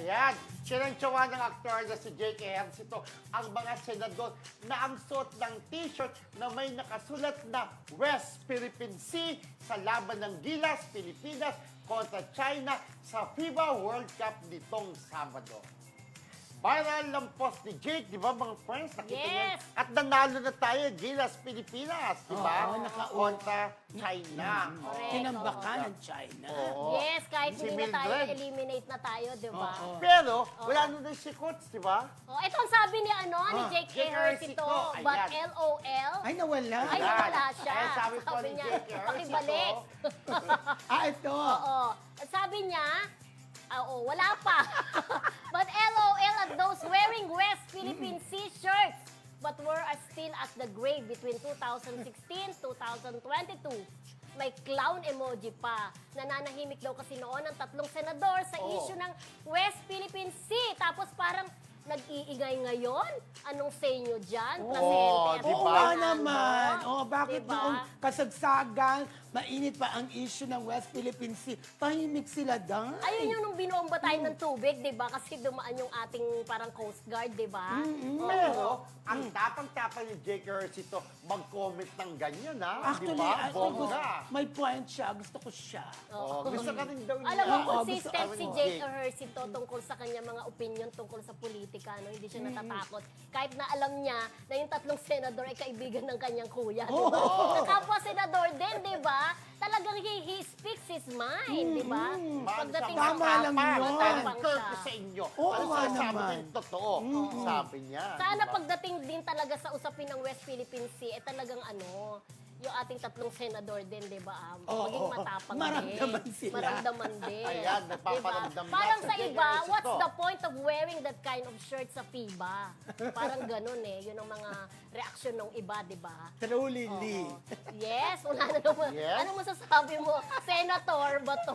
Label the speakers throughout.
Speaker 1: Ayan, sinantsawa ng aktor na si Jake Ejercito ang mga senador na ang suot ng t-shirt na may nakasulat na West Philippine Sea sa laban ng Gilas, Pilipinas kontra China sa FIBA World Cup nitong Sabado. Viral ang post ni Jake, di ba mga friends? Nakita niyo?
Speaker 2: Yes!
Speaker 1: At nanalo na tayo, Gilas, Pilipinas, di ba?
Speaker 3: Oo,
Speaker 1: Kontra China.
Speaker 2: Correct.
Speaker 3: Tinambakan ng China.
Speaker 1: Oo.
Speaker 2: Yes, kahit
Speaker 1: Si
Speaker 2: hindi na tayo,
Speaker 1: Mildred.
Speaker 2: eliminate na tayo, di ba?
Speaker 3: Oo.
Speaker 1: Pero, wala na din si Coach, di ba?
Speaker 2: Oh, ito ang sabi ni ni Jake
Speaker 1: Jake
Speaker 2: Ejercito,
Speaker 1: Ejercito,
Speaker 2: but
Speaker 1: ayan.
Speaker 2: LOL.
Speaker 3: Ay, nawala.
Speaker 2: Ay, wala siya.
Speaker 1: Ay, sabi po ni
Speaker 2: niya,
Speaker 1: Jake Ejercito.
Speaker 2: pakibalik.
Speaker 3: Ito.
Speaker 2: Oo. Sabi niya, wala pa. But LOL at those wearing West Philippine Sea shirts but were still at the grave between 2016-2022. May clown emoji pa. Nananahimik daw kasi noon ang tatlong senador sa issue ng West Philippine Sea. Tapos parang nag-iingay ngayon? Anong say nyo dyan? Placente at
Speaker 1: di
Speaker 3: Oo
Speaker 1: ba?
Speaker 3: nga
Speaker 2: Fernando.
Speaker 3: naman. Oh, bakit
Speaker 2: Diba?
Speaker 3: noong kasagsagan, mainit pa ang issue ng West Philippine Sea, tahimik sila dahil.
Speaker 2: Ayun yung nung binomba tayo ng tubig, di ba? Kasi dumaan yung ating parang Coast Guard, di ba?
Speaker 1: Pero, ang tapang-tapang ni Jake Ejercito mag-comment ng ganyan, ha?
Speaker 3: Actually,
Speaker 1: di ba?
Speaker 3: gusto, may point siya. Gusto ko siya.
Speaker 1: Gusto ka rin daw niya.
Speaker 2: Alam mo,
Speaker 3: Oo,
Speaker 2: consistent
Speaker 1: gusto
Speaker 2: si
Speaker 1: kami ni
Speaker 2: Jake
Speaker 1: Jake.
Speaker 2: Ejercito tungkol sa kanya mga opinion tungkol sa politika, no? Hindi siya natatakot. Kahit na alam niya na yung tatlong senador ay kaibigan ng kanyang kuya, di ba? Na kapwa senador din, di ba? Talagang he speaks his mind, di ba? Pagdating sa
Speaker 3: Tama lang yun.
Speaker 2: matapang
Speaker 1: Turn
Speaker 2: siya.
Speaker 1: ko sa inyo.
Speaker 3: Oo
Speaker 1: Ano
Speaker 3: nga
Speaker 1: sabi
Speaker 3: naman.
Speaker 1: din totoo? Sabi niya.
Speaker 2: Sana
Speaker 1: di ba?
Speaker 2: pagdating din talaga sa usapin ng West Philippine Sea, talagang yung ating tatlong senador din, di ba? Maging matapang
Speaker 3: Maramdaman
Speaker 2: din.
Speaker 3: sila.
Speaker 2: Maramdaman din.
Speaker 1: Ayan, nagpaparamdam na
Speaker 2: Parang
Speaker 1: sa
Speaker 2: sa
Speaker 1: Jake
Speaker 2: iba,
Speaker 1: Ejercito.
Speaker 2: what's the point of wearing that kind of shirt sa FIBA? Parang ganun Yun ang mga reaksyon ng iba, di ba?
Speaker 3: True, Lily.
Speaker 2: Oo. Yes, wala na naman.
Speaker 1: Yes.
Speaker 2: Ano masasabi mo? Senator ba to?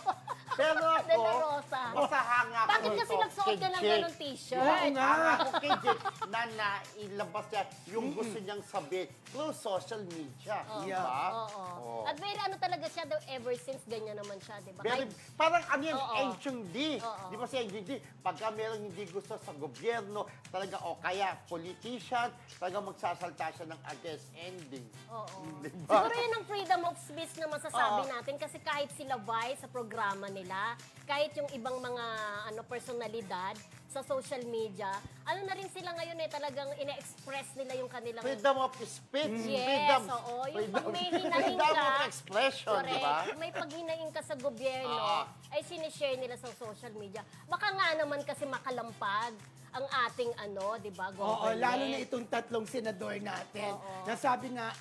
Speaker 1: Pero ako,
Speaker 2: De La Rosa.
Speaker 1: masahanga ako
Speaker 2: Bakit kasi
Speaker 1: nito
Speaker 2: nagsuot
Speaker 1: kay
Speaker 2: ka ng
Speaker 1: Jake.
Speaker 2: ganun t-shirt?
Speaker 3: Oo nga.
Speaker 1: Hanga ako kay Jake na nailabas niya yung gusto niyang sabihin through social media. Di
Speaker 3: Yeah.
Speaker 1: ba?
Speaker 2: Oo.
Speaker 1: Oo.
Speaker 2: At very talaga siya daw ever since ganyan naman siya, di ba?
Speaker 1: Very,
Speaker 2: Kahit-
Speaker 1: parang ano yan,
Speaker 2: Oo.
Speaker 1: ancient D.
Speaker 2: Oo.
Speaker 1: Di ba si ancient D? Pagka merong hindi gusto sa gobyerno, talaga o kaya politician, talaga magsasalta siya ng against ending.
Speaker 2: Oo.
Speaker 1: Diba?
Speaker 2: Siguro yun ang freedom of speech na masasabi
Speaker 1: Oo.
Speaker 2: natin kasi kahit sila Vice sa programa nila, kahit yung ibang mga personalidad sa social media, na rin sila ngayon talagang ine-express nila yung kanilang
Speaker 1: Freedom of speech.
Speaker 2: Yes,
Speaker 1: freedom,
Speaker 2: oo. Yung pag may hinahin
Speaker 1: freedom
Speaker 2: ka,
Speaker 1: of expression, di
Speaker 2: correct,
Speaker 1: ba?
Speaker 2: may paghinaing ka sa gobyerno,
Speaker 1: Oo.
Speaker 2: ay sinishare nila sa social media. Baka nga naman kasi makalampag ang ating di ba,
Speaker 3: Oo,
Speaker 2: government.
Speaker 3: lalo na itong tatlong senador natin.
Speaker 2: Oo.
Speaker 3: Nasabi nga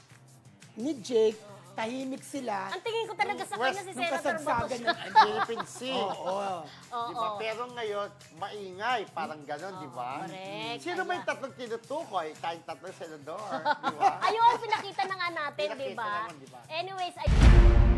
Speaker 3: ni Jake, tahimik sila.
Speaker 2: Ang tingin ko talaga sa kanya si
Speaker 3: Nung
Speaker 2: Senator Bato
Speaker 3: kasagsagan
Speaker 2: siya.
Speaker 3: ng
Speaker 1: Philippine Sea.
Speaker 3: Oo.
Speaker 1: Di ba? Pero ngayon, maingay. Parang ganon, di ba?
Speaker 2: correct.
Speaker 1: Sino ba yung
Speaker 2: Ayan.
Speaker 1: tatlong tinutukoy? Tayong tatlong senador, di ba?
Speaker 2: Ayun, pinakita na nga natin,
Speaker 1: Pinakita
Speaker 2: di ba?
Speaker 1: naman, di ba?
Speaker 2: Anyways,